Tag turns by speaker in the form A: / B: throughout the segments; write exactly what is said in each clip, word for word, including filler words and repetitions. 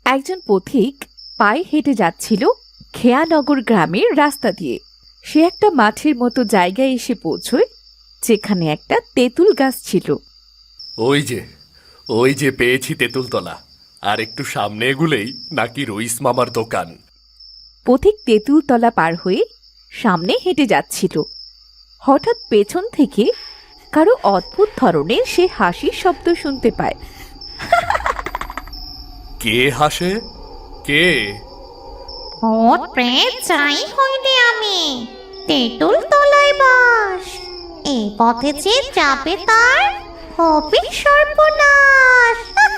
A: একজন পথিক পায়ে হেঁটে যাচ্ছিল খেয়ানগর গ্রামের রাস্তা দিয়ে। সে একটা মাঠের মতো জায়গায় এসে পৌঁছয়, যেখানে একটা তেঁতুল গাছ ছিল।
B: ওই যে ওই যে পেয়েছি তেঁতুলতলা। আর একটু সামনে এগুলেই নাকি রইস মামার দোকান।
A: পথিক তেঁতুলতলা পার হয়ে সামনে হেঁটে যাচ্ছিল। হঠাৎ পেছন থেকে কারো অদ্ভুত ধরনের সে হাসির শব্দ শুনতে পায়।
B: কে হাসে? কে?
C: ভূত প্রেত চাই হইলে আমি তেঁতুল তলায় বাস। এই পথে যে যাবে তার হবে সর্বনাশ।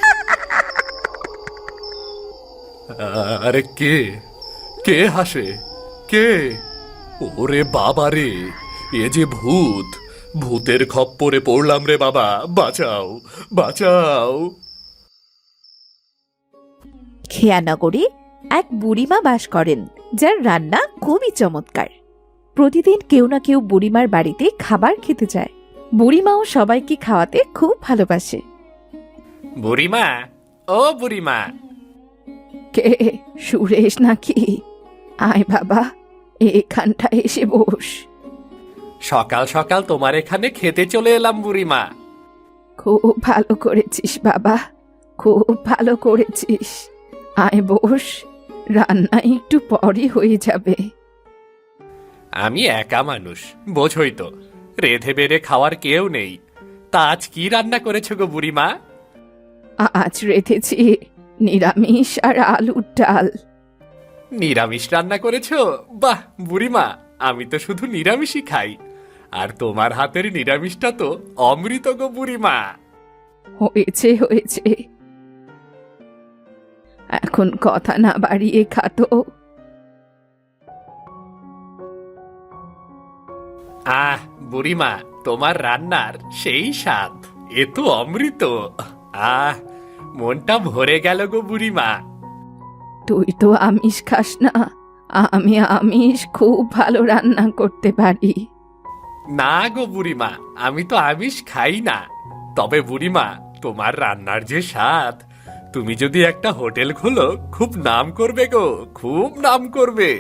B: আরে কে কে হাসে? কে? ওরে বাবা রে, এ যে ভূত! ভূতের খপ্পরে পড়লাম রে বাবা, বাঁচাও বাঁচাও।
A: খেয়ানগরে এক বুড়িমা বাস করেন, যার রান্না খুবই চমৎকার। প্রতিদিন কেউ না কেউ বুড়িমার বাড়িতে খাবার খেতে যায়। বুড়িমাও সবাইকে খাওয়াতে খুব ভালোবাসে।
B: বুড়িমা, ও বুড়িমা।
A: কে? সুরেশ নাকি? আয় বাবা, এখানটা এসে বস।
B: সকাল সকাল তোমার এখানে খেতে চলে এলাম বুড়িমা।
A: খুব ভালো করেছিস বাবা, খুব ভালো করেছিস। আয় বস, রান্না একটু পরই হয়ে যাবে।
B: আমি একা মানুষ, বোঝই তো, রেধে বেড়ে খাওয়ার কেউ নেই। তা আজ কি রান্না করেছো গো বুড়িমা?
A: আজ রেঁধেছি নিরামিষ আর আলুর ডাল।
B: নিরামিষ রান্না করেছো? বাহ বুড়িমা, আমি তো শুধু নিরামিষই খাই। আর তোমার হাতের নিরামিষটা তো অমৃত গো বুড়িমা।
A: হয়েছে হয়েছে, এখন কথা না বাড়িয়ে খাতো।
B: আহ বুড়িমা, তোমার রান্নার সেই স্বাদ, এ তো অমৃত। আহ, মনটা ভরে গেল গো বুড়িমা।
A: তুই তো আমিষ খাস না, আমি আমিষ খুব ভালো রান্না করতে পারি।
B: না গো বুড়িমা, আমি তো আমিষ খাই না। তবে বুড়িমা, তোমার রান্নার যে স্বাদ, তুমি যদি একটা হোটেল খোলো খুব নাম করবে গো, খুব নাম করবে।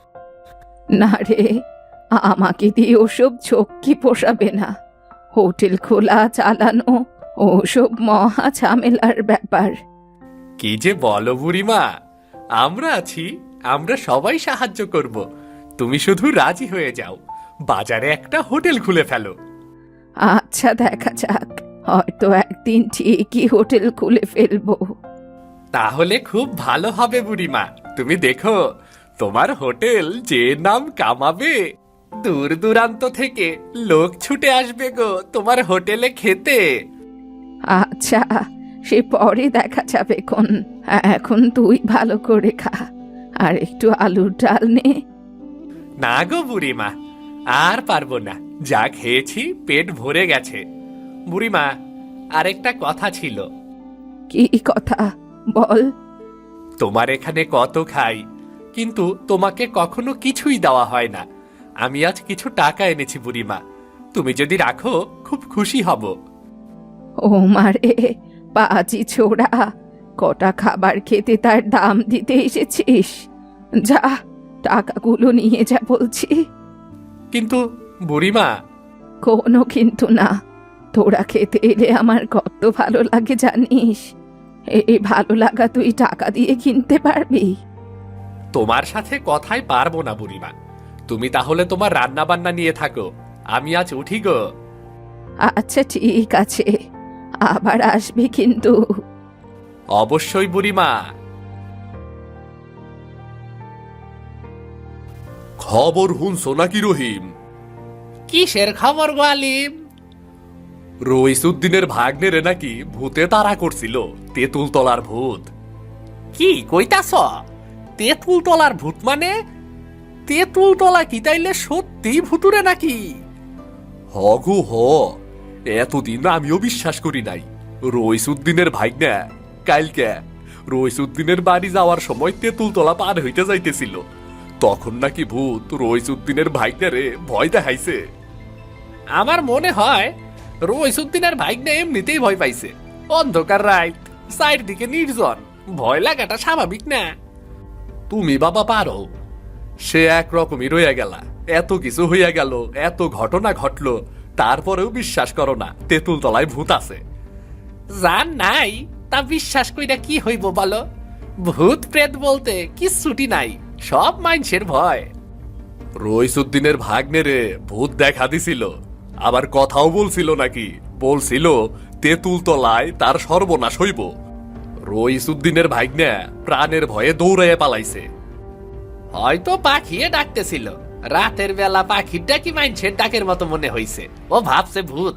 A: না রে, আমাকে দিয়ে ওসব ঝক্কি পোষাবে না। হোটেল খোলা চালানো ওসব মহা ঝামেলার ব্যাপার।
B: কি যে বলো বুড়িমা, আমরা আছি, আমরা সবাই সাহায্য করব। তুমি শুধু রাজি হয়ে যাও, বাজারে একটা হোটেল খুলে ফেলো।
A: আচ্ছা দেখা যাক, হয়তো একদিন ঠিকই হোটেল খুলে ফেলবো।
B: তাহলে খুব ভালো হবে বুড়িমা। তুমি দেখো, তোমার হোটেল যে নাম কামাবে, দূর দূরান্ত থেকে লোক ছুটে আসবে গো তোমার হোটেলে খেতে।
A: আচ্ছা, সে পরে দেখা যাবে কোন। এখন তুই ভালো করে খা, আর একটু আলুর ডাল নে।
B: না গো বুড়িমা, আর পারবো না, যা খেয়েছি পেট ভরে গেছে। বুড়িমা, আরেকটা কথা ছিল।
A: কি কথা বল?
B: তোমার এখানে কত খাই, কিন্তু তোমাকে কখনো কিছুই দেওয়া হয় না। আমি আজ কিছু টাকা এনেছি বুড়িমা, তুমি যদি রাখো খুব খুশি হব।
A: ও মারে, পাজি ছোড়া, কটা খাবার খেতে তার দাম দিতে এসেছিস? যা, টাকাগুলো নিয়ে যা বলছি।
B: কিন্তু বুড়িমা।
A: কোনো কিন্তু না, তোরা খেতে এলে আমার কত ভালো লাগে জানিস। এই ভালো লাগা তুই টাকা দিয়ে কিনতে পারবি?
B: তোমার সাথে কথাই পারবো না বুড়িমা, তুমি তাহলে তোমার রান্না বান্না নিয়ে থাকো, আমি আজ উঠি গো।
A: আচ্ছা ঠিক আছে, আবার আসবি কিন্তু।
B: অবশ্যই বুড়িমা। খবর হুনছো নাকি রহিম?
D: কিসের খবর গো আলিম?
B: রইসুদ্দিনের ভাগ্নেরে নাকি ভূতে তাড়া করছিল, তেঁতুল তলার ভূত।
D: কি কইতাছ? তেঁতুল তলার ভূত মানে? তেঁতুল তলা কি তাইলে সত্যি ভুতুরে নাকি?
B: হ গো হ, এতদিন আমিও বিশ্বাস করি নাই। রইসুদ্দিনের ভাগ্না কালকে রইসুদ্দিনের বাড়ি যাওয়ার সময় তেঁতুল তলা পার হইতে যাইতেছিল, তখন নাকি ভূত রইসুদ্দিনের ভাগ্নারে ভয় দেখাইছে।
D: আমার মনে হয় রইসুদ্দিনের ভাগ্নে এমনিতেই ভয় পাইছে। অন্ধকার রাত, চারিদিকে নির্জন, ভয় লাগাটা স্বাভাবিক না।
B: তুমি বাবা পারো। সে একরকমই রইয়া গেলা, এত কিছু হইয়া গেল, এত ঘটনা ঘটলো, তারপরেও বিশ্বাস করো না তেঁতুল তলায় ভূত আছে।
D: জান নাই তা বিশ্বাস কইরা কি হইব বলো? ভূত প্রেত বলতে কিচ্ছুটি নাই, সব মানুষের ভয়।
B: রইসুদ্দিনের ভাগ্নে রে ভূত দেখা দিছিল, আবার কথাও বলছিল নাকি, বলছিল তেঁতুল তলায় তার সর্বনাশ হইব। রইসুদ্দিনের ভাগ্নে প্রাণের ভয়ে দৌড়াইয়া পালাইছে।
D: হয়তো পাখিয়ে ডাকতেছিল, রাতের বেলা পাখির ডাকি মানুষের ডাকের মতো মনে হইছে, ও ভাবছে ভূত।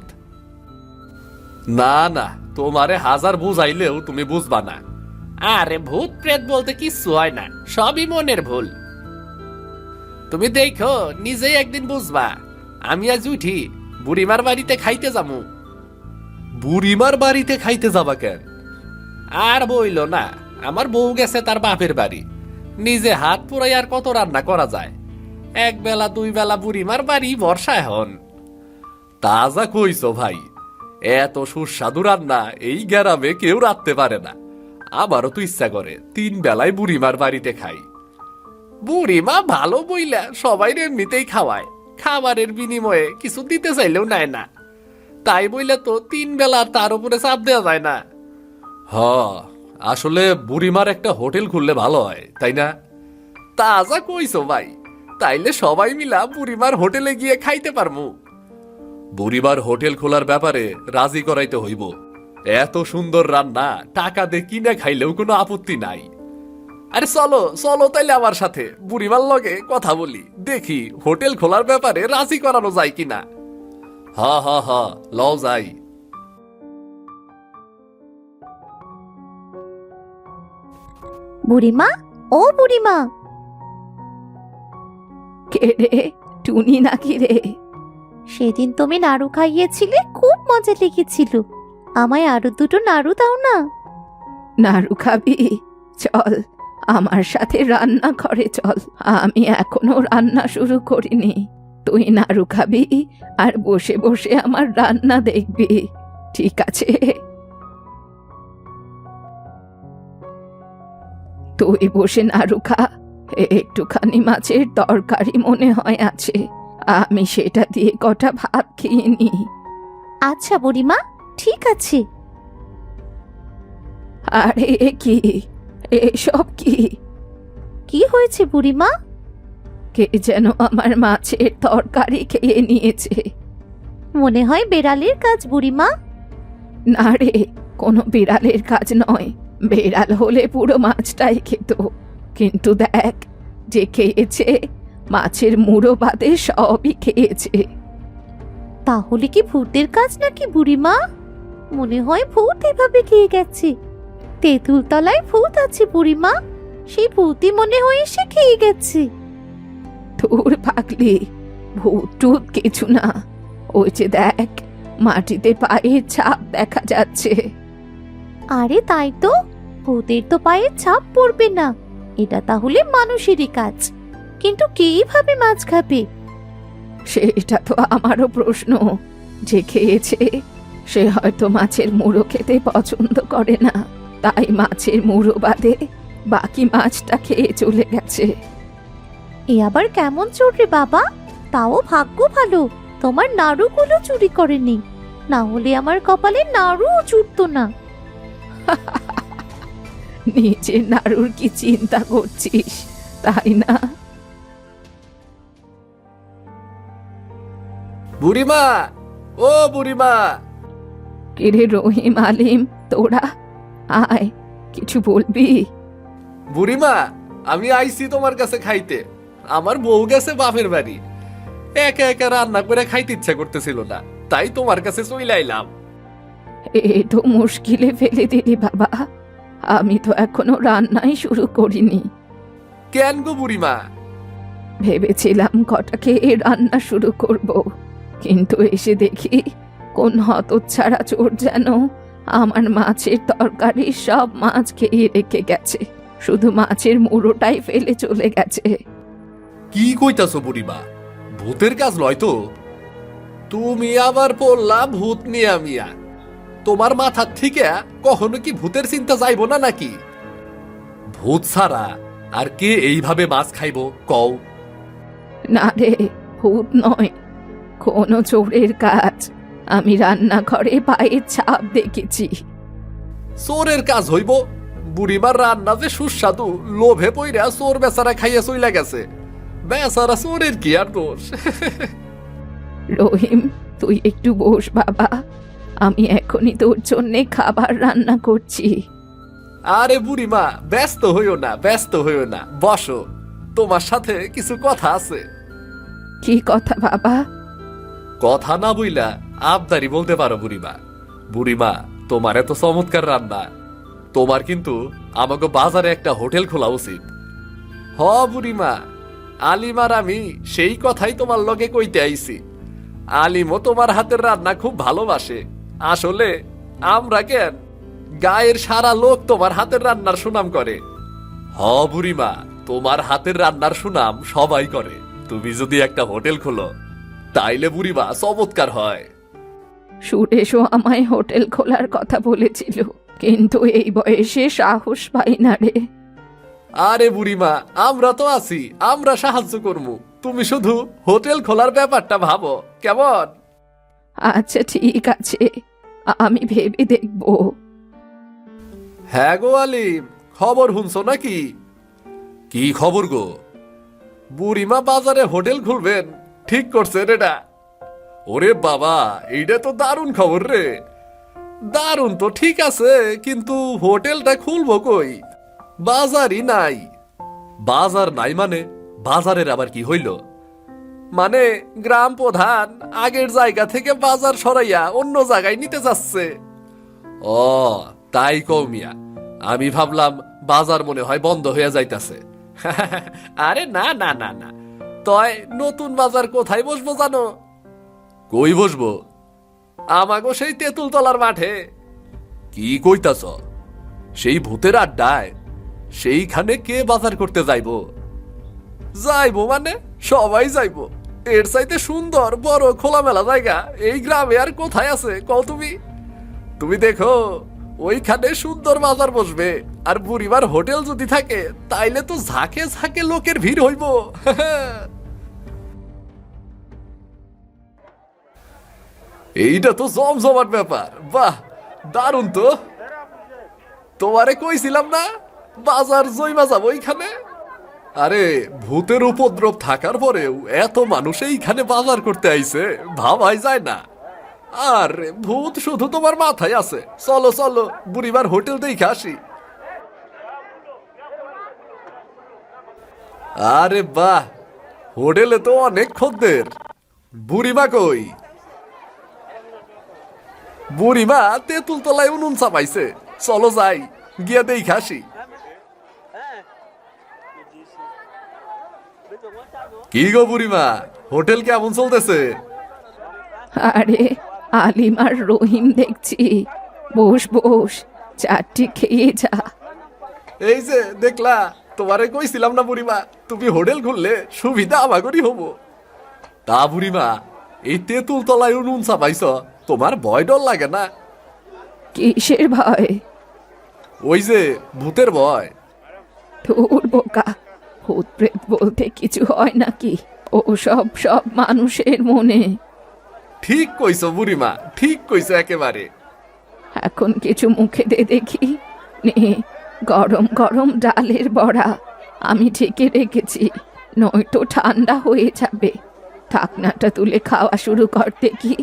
B: না না, তোমারে হাজার বুঝাইলেও তুমি বুঝবা না।
D: আরে ভূত প্রেত বলতে কিচ্ছু হয় না, সবই মনের ভুল। তুমি দেখো নিজেই একদিন বুঝবা। আমি আজ উঠি বুড়িমার বাড়িতে খাইতে যামু।
B: বুড়িমার বাড়িতে খাইতে যাবা কেন?
D: আর বইল না, আমার বউ গেছে তার বাপের বাড়ি। নিজে হাত পুরাই আর কত রান্না করা যায়? এক বেলা দুই বেলা বুড়িমার বাড়ি বর্ষায় হন।
B: তাজা কইছো ভাই, এত সুস্বাদু রান্না এই গ্রামে কেউ রাখতে পারে না। আমারও তো ইচ্ছা করে তিন বেলায় বুড়িমার বাড়িতে খাই।
D: বুড়িমা ভালো বইলা সবাই এমনিতেই খাওয়ায়, খাবারের বিনিময়ে কিছু দিতে চাইলেও নেয় না। তাই বইলে তো তিন বেলা তার উপরে চাপ দেওয়া যায় না।
B: হ, আসলে বুড়িমার একটা হোটেল খুললে ভালো হয়, তাই না?
D: তাজা কইছো ভাই, তাইলে সবাই মিলা বুড়িমার হোটেলে গিয়ে খাইতে পারমু।
B: বুড়িমার হোটেল খোলার ব্যাপারে রাজি করাইতে হইব। এত সুন্দর রান্না টাকা দিয়ে কিনে খাইলেও কোনো আপত্তি নাই।
D: আরে চলো চলো তাইলে আমার সাথে বুড়িমার লগে কথা বলি, দেখি হোটেল খোলার ব্যাপারে রাজি করানো যায় কিনা।
B: হ হ হ, লও যাই।
C: বুড়িমা, ও বুড়িমা।
A: কে রে, টুনি নাকি রে?
C: সেদিন তুমি নাড়ু খাইয়েছিলে, খুব মজা লেগেছিল। আমায় আরো দুটো নাড়ু দাও না।
A: নাড়ু খাবি? চল আমার সাথে রান্না ঘরে চল, আমি এখনো রান্না শুরু করিনি। তুই নাড়ু খাবি আর বসে বসে আমার রান্না দেখবি, ঠিক আছে? তুই বসে নাড়ু খা। একটুখানি মাছের তরকারি মনে হয় আছে, আমি সেটা দিয়ে কটা ভাত খেয়ে নি।
C: আচ্ছা বুড়িমা, ঠিক আছে।
A: আরে কি এসব কি?
C: কি হয়েছে বুড়িমা?
A: কে যেন আমার মাছের তরকারি খেয়ে নিয়েছে।
C: মনে হয় বেড়ালের কাজ বুড়িমা।
A: না রে, কোনো বিড়ালের কাজ নয়। বেড়াল হলে পুরো মাছটাই খেত, কিন্তু দেখ যে খেয়েছে, মাছের মুড়ো বাদে সবই খেয়েছে।
C: তাহলে কি ভূতের কাজ নাকি বুড়িমা? মনে হয় ভূত এভাবে খেয়ে গেছে। তেঁতুল তলায় ভূত আছে বুড়িমা, সেই ভূতই মনে হয় সে খেয়ে গেছে।
A: তোর পাগলি, ভূত টুত কিছু না। ওই যে দেখ, মাটিতে পায়ের ছাপ দেখা যাচ্ছে।
C: আরে তাই তো, ভূতের তো পায়ের ছাপ পড়বে না, এটা তাহলে মানুষেরই কাজ। কিন্তু কিভাবে মাছ খাবে?
A: সেটা তো আমারও প্রশ্ন। যে খেয়েছে সে হয়তো মাছের মুড়ো খেতে পছন্দ করে না, তাই মাছের মুড়ো বাদে বাকি মাছটা খেয়ে চলে গেছে।
C: এ আবার কেমন চোর রে বাবা? তাও ভাগ্য ভালো তোমার নাড়ুগুলো চুরি করেনি, না হলে আমার কপালে নাড়ুও জুটতো না।
A: নিজের নাড়ুর কি চিন্তা করছিস, তাই না?
B: বুড়িমা, ও বুড়িমা।
A: কিরে রহিম, আলিম, তোরা আয়, কিছু বলবি?
B: বুড়িমা, আমি আইছি তোমার কাছে খাইতে। আমার বউ গেছে বাপের বাড়ি, একা একা রান্না করে খাইতে ইচ্ছা করতেছিল না, তাই তোমার কাছে চলে আইলাম।
A: এ তো মুশকিলে ফেলে দিলি বাবা, আমি তো এখনো রান্নাই শুরু করিনি।
B: কেন গো বুড়িমা?
A: ভেবেছিলাম কটা খেয়ে রান্না শুরু করব, কিন্তু এসে দেখি কোন হতচ্ছাড়া চোর যেন আমার মাছের তরকারি সব মাছ খেয়ে রেখে গেছে, শুধু মাছের মুড়োটাই ফেলে চলে গেছে।
B: কি কইতাছো বুড়িমা? ভূতের কাজ লয় তো? তুমি আবার পড়লা ভূত নিয়ে মিয়া। তোমার মাথার থেকে কখনো কি ভূতের চিন্তা যাইব না নাকি? ভূত ছাড়া আর কে এইভাবে মাছ খাইব কও?
A: না রে, ভূত নয়, কোনো চোরের কাজ। আমি রান্নাঘরে পায়ের ছাপ দেখেছি।
B: চোরের কাজ হইব? বুড়িমার রান্না যে সুস্বাদু, লোভে পইরা চোর বেচারা খাইয়া চইলা গেছে। বেচারা চোরের কি আর দোষ?
A: রহিম, তুই একটু বস বাবা, আমি এখনই তোর জন্যে খাবার রান্না করছি।
B: আরে বুড়িমা, ব্যস্ত হইও না, ব্যস্ত হইও না, বসো, তোমার সাথে কিছু কথা আছে।
A: কি কথা বাবা?
B: কথা না বইলা আবদারি বলতে পারো বুড়িমা। বুড়িমা, তোমার এত চমৎকার রান্না, তোমার কিন্তু আমাকে বাজারে একটা হোটেল খোলা উচিত। হ বুড়িমা, আলিমার আমি সেই কথাই তোমার লগে কইতে আইছি। আলিমও তোমার হাতের রান্না খুব ভালোবাসে। আসলে আমরা কেন, গায়ের সারা লোক তোমার হাতের রান্নার সুনাম করে। হ বুড়িমা, তোমার হাতের রান্নার সুনাম সবাই করে। তুমি যদি একটা হোটেল খোলো তাইলে বুড়িমা চমৎকার হয়।
A: সুরেশও আমায় হোটেল খোলার কথা বলেছিল, কিন্তু এই বয়সে সাহস পাই না রে।
B: আরে বুড়িমা, আমরা তো আছি, আমরা সাহায্য করবো। তুমি শুধু হোটেল খোলার ব্যাপারটা ভাবো, কেমন?
A: আচ্ছা ঠিক আছে, আমি ভেবে দেখব।
B: হ্যাঁ গো আলিম, খবর শুনছো নাকি? কি খবর গো? বুড়িমা বাজারে হোটেল খুলবেন ঠিক করছেন এটা। ওরে বাবা, এইটা তো দারুণ খবর রে। দারুণ তো ঠিক আছে, কিন্তু হোটেলটা খুলবো কই? বাজারই নাই। বাজার নাই মানে? বাজারের আবার কি হইল? মানে গ্রাম প্রধান আগের জায়গা থেকে বাজার সরাইয়া অন্য জায়গায় নিতে যাচ্ছে। ও তাই কও মিয়া, আমি ভাবলাম বাজার মনে হয় বন্ধ হয়ে যাইতাছে। আরে না না না না, তয় নতুন বাজার কোথায় বসবো জানো? কই বসবো? আমাগো সেই তেঁতুল তলার মাঠে। কি কইতাছ? সেই ভূতের আড্ডায়? সেইখানে কে বাজার করতে যাইবো? যাইবো মানে সবাই যাইবো। এর চাইতে সুন্দর বড় খোলামেলা জায়গা এই গ্রামে আর কোথায় আছে কও তুমি? তুমি দেখো, ওইখানে সুন্দর বাজার বসবে, আর বুড়িমার হোটেল যদি থাকে তাইলে তো ঝাঁকে ঝাঁকে লোকের ভিড় হইব। এইটা তো জমজমাট ব্যাপার। বাহ, দারুণ তো। তোমারে কইছিলাম না বাজার জইমা যাবো এইখানে। আরে ভূতের উপদ্রব থাকার পরেও এত মানুষ এইখানে বাজার করতে আইছে, ভাবাই যায় না। আর ভূত শুধু তোমার মাথায় আছে। চলো চলো, বুড়িমার হোটেল দেখে আসি। আরে বাহ, হোটেলে তো অনেক খদ্দের। বুড়িমা কই? বুড়িমা তেঁতুল তলায় উনুন চাপাইছে। চলো যাই, গিয়া দেখে আসি। কি গো বুড়িমা, হোটেল কেমন চলতেছে?
A: আরে আলিম আর রহিম দেখছি। বস বস, চারটি খেয়ে যা।
B: এই যে দেখলা, তোমারে কইছিলাম না বুড়িমা, তুমি হোটেল খুললে সুবিধা আমাগরই হবো। তা বুড়িমা, এই তেঁতুল তলায় উনুন চাপাইছ, তোমার ভয় ডর লাগে না?
A: কিসের ভয়?
B: ওই যে ভূতের ভয়।
A: ধুর বোকা, ভূত প্রেত বলতে কিছু হয় নাকি? ও সব সব মানুষের মনে।
B: ঠিক কইছো বুড়িমা, ঠিক কইছো একেবারে।
A: এখন কিছু মুখে দে দেখি। নে, গরম গরম ডালের বড়া আমি ঢেকে রেখেছি, নয়তো ঠান্ডা হয়ে যাবে। ঢাকনাটা তুলে খাওয়া শুরু কর দেখি।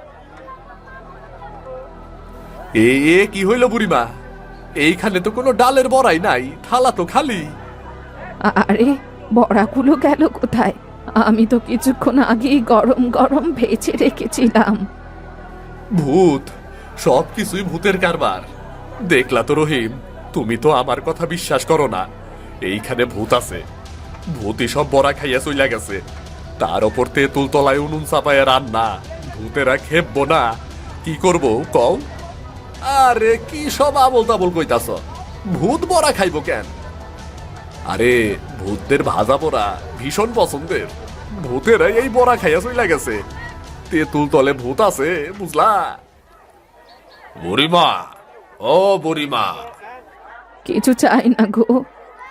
B: এ এ কি হইল বুড়িমা? এইখানে তো কোনো ডালের বড়াই নাই, থালা তো খালি।
A: আরে বড়াগুলো গেল কোথায়? আমি তো কিছুক্ষণ আগেই গরম গরম ভেজে রেখেছিলাম।
B: ভূত, সব কিছুই ভূতের কারবার। দেখলা তো রহিম, তুমি তো আমার কথা বিশ্বাস করো না। এইখানে ভূত আছে। ভূতই সব বড়া খাইয়া চইলা গেছে। তার ওপর তেঁতুল তলায় উনুন চাপায় রান্না। ভূতেরা খেপবো না? কি করবো কও? আরে কি সব আবল তাবল কইতাছ? ভূত বড়া খাইবো কেন? আরে ভূতদের ভাজা বড়া ভীষণ পছন্দের। ভূতেরা এই বড়া খাইয়া চইলা গেছে। তেঁতুল তলে ভূত আছে, বুঝলা? বুড়িমা, ও বুড়িমা।
A: কিছু চাই না গো,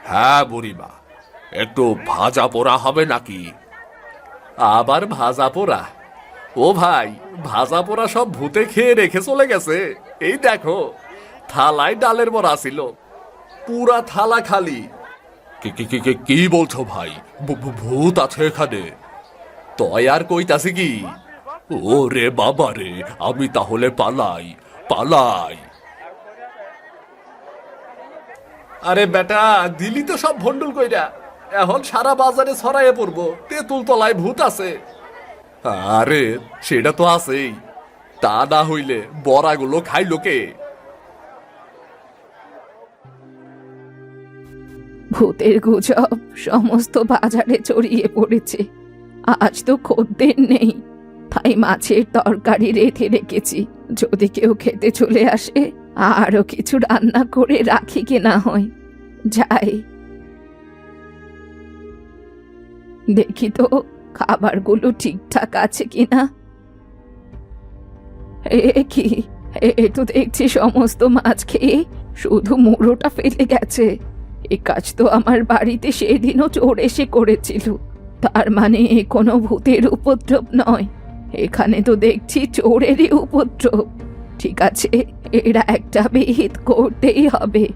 B: হ্যাঁ বুড়িমা, একটু ভাজা পোড়া হবে নাকি?
D: আবার ভাজা পোড়া? ও ভাই, ভাজা পোড়া সব ভূতে খেয়ে রেখে চলে গেছে। এই দেখো, থালায় ডালের বড়া ছিল, পুরা থালা খালি।
B: কি কি কি কি- কি বলছো ভাই? ভূ- ভূ- ভূত আছে এখানে?
D: তয় আর কইতাছি কি?
B: ও রে বাবা রে, আমি তাহলে পালাই, পালাই।
D: আরে বেটা, দিলি তো সব ভন্ডুল কইরা। এখন সারা বাজারে ছড়াইয়ে পড়বো তেঁতুল তলায় ভূত আছে।
B: আরে সেটা তো আছেই, তা না হইলে বড়াগুলো খাইলো কে?
A: ভূতের গুজব সমস্ত বাজারে ছড়িয়ে পড়েছে। আজ তো খদ্দের নেই, তাই মাছের তরকারি রেঁধে রেখেছি। যদি কেউ খেতে চলে আসে আরো কিছু রান্না করে রাখি কি না হয়। যাই দেখি তো খাবারগুলো ঠিকঠাক আছে কিনা। এ কি, এ তো দেখছি সমস্ত মাছ খেয়ে শুধু মুড়োটা ফেলে গেছে। এ কাজ তো আমার বাড়িতে সেদিনও চোর এসে করেছিল। তার মানে এ কোনো ভূতের উপদ্রব নয়, এখানে তো দেখছি চোরেরই উপদ্রব। ঠিক আছে, এরা একটা বিহিত করতেই হবে।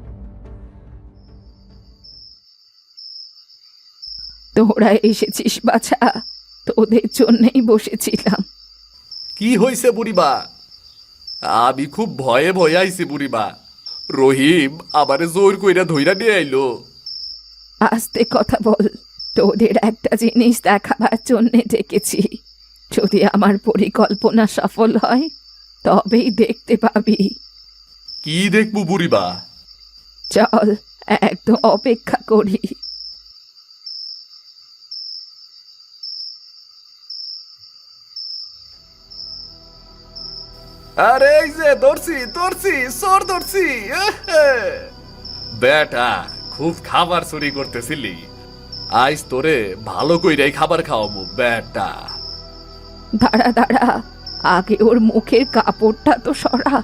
A: তোরা এসেছিস বাছা, তোদের জন্যই বসেছিলাম।
D: কি হইছে বুড়িমা? আমি খুব ভয়ে ভয়ে আইছি বুড়িমা। রহিম আমারে জোর কইরা ধইরা নিয়ে আইলো।
A: আস্তে কথা বল, তোদের একটা জিনিস দেখাবার জন্যে ডেকেছি। যদি আমার পরিকল্পনা সফল হয় তবেই দেখতে পাবি।
D: কি দেখবো বুড়িমা?
A: চল একদম অপেক্ষা করি।
D: আরে এই যে ধরছি ধরছি চোর ধরছি। এহে। বেটা, খুব খাবার চুরি করতেছিলি, আইস তোরে ভালো কইরাই খাবার খাওয়াবো বেটা।
A: দাঁড়া দাঁড়া, আগে ওর মুখের কাপড়টা তো সরা।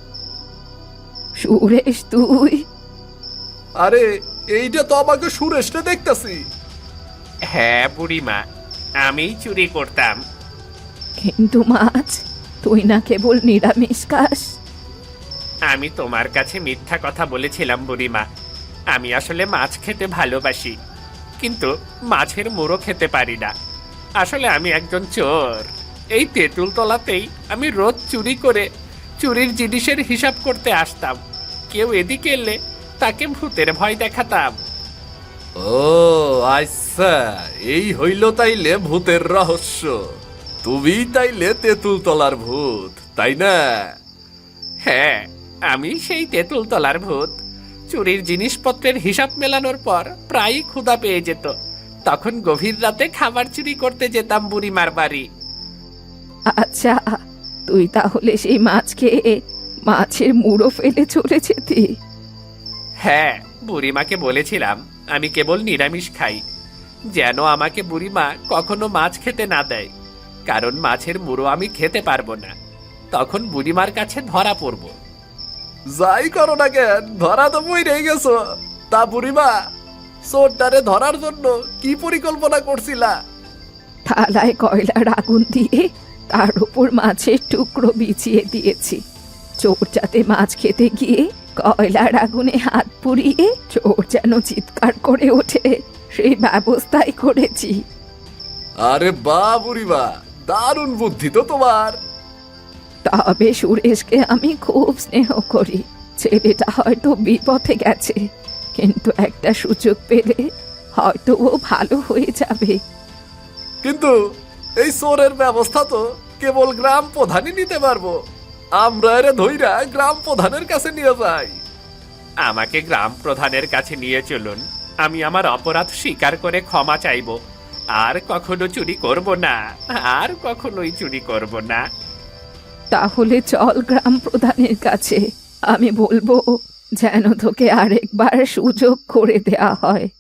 A: সুরেশ তুই?
D: আরে এইটা তো আমাকে সুরেশটা দেখতাছি।
E: হ্যাঁ বুড়িমা, আমিই চুরি করতাম।
A: কিন্তু মাছ, তুই না কেবল নিরামিষ খাস।
E: আমি তোমার কাছে মিথ্যা কথা বলেছিলাম বুড়িমা। আমি আসলে মাছ খেতে ভালোবাসি, কিন্তু মাছের মুড়ো খেতে পারি না। আসলে আমি একজন চোর। এই তেঁতুল তলাতেই আমি রোজ চুরি করে চুরির জিনিসের হিসাব করতে আসতাম। কেউ এদিকে এলে তাকে ভূতের ভয় দেখাতাম।
D: ও আচ্ছা, এই হইল তাইলে ভূতের রহস্য। তুমি তাইলে তেঁতুল তলার ভূত, তাই না?
E: হ্যাঁ, আমি সেই তেঁতুল তলার ভূত। চুরির জিনিসপত্রের হিসাব মেলানোর পর প্রায়ই ক্ষুধা পেয়ে যেত। তখন গভীর রাতে খাবার চুরি করতে যেতাম বুড়িমার বাড়ি।
A: আচ্ছা, তুই তাহলে সেই মাছ খেয়ে মাছের মুড়ো ফেলে চলে যেতি?
E: হ্যাঁ, বুড়িমাকে বলেছিলাম আমি কেবল নিরামিষ খাই, যেন আমাকে বুড়িমা কখনো মাছ খেতে না দেয়, কারণ মাছের মুড়ো আমি খেতে পারবো না। তখন বুড়িমার কাছে ধরা পড়বো।
D: যাই করো না কেন, ধরা তো বই রয়ে গেছো। তা বুড়িমা, চোরটারে ধরার জন্য কি পরিকল্পনা করছিলা?
A: থালায় কয়লার আগুন দিয়ে তার উপর মাছের টুকরো বিছিয়ে দিয়েছি। চোর যাতে মাছ খেতে গিয়ে কয়লার আগুনে হাত পুড়িয়ে চোর যেন চিৎকার করে ওঠে, সেই ব্যবস্থাই করেছি।
D: আরে বা বুড়িমা, দারুণ বুদ্ধি তো তোমার।
A: তবে সুরেশকে আমি খুব স্নেহ করি। ছেলেটা হয়তো বিপথে গেছে, কিন্তু একটা সুযোগ পেলে হয়তো ও ভালো হয়ে যাবে।
D: কিন্তু এই চোরের ব্যবস্থা তো কেবল গ্রাম প্রধানই নিতে পারবো। আমরা এরে ধইরা গ্রাম প্রধানের কাছে নিয়ে যাই।
E: আমাকে গ্রাম প্রধানের কাছে নিয়ে চলুন। আমি আমার অপরাধ স্বীকার করে ক্ষমা চাইবো। আর কখনো চুরি করব না, আর কখনোই চুরি করব না।
A: তাহলে চল গ্রাম প্রধানের কাছে, আমি বলবো যেন তোকে আরেকবার সুযোগ করে দেয়া হয়।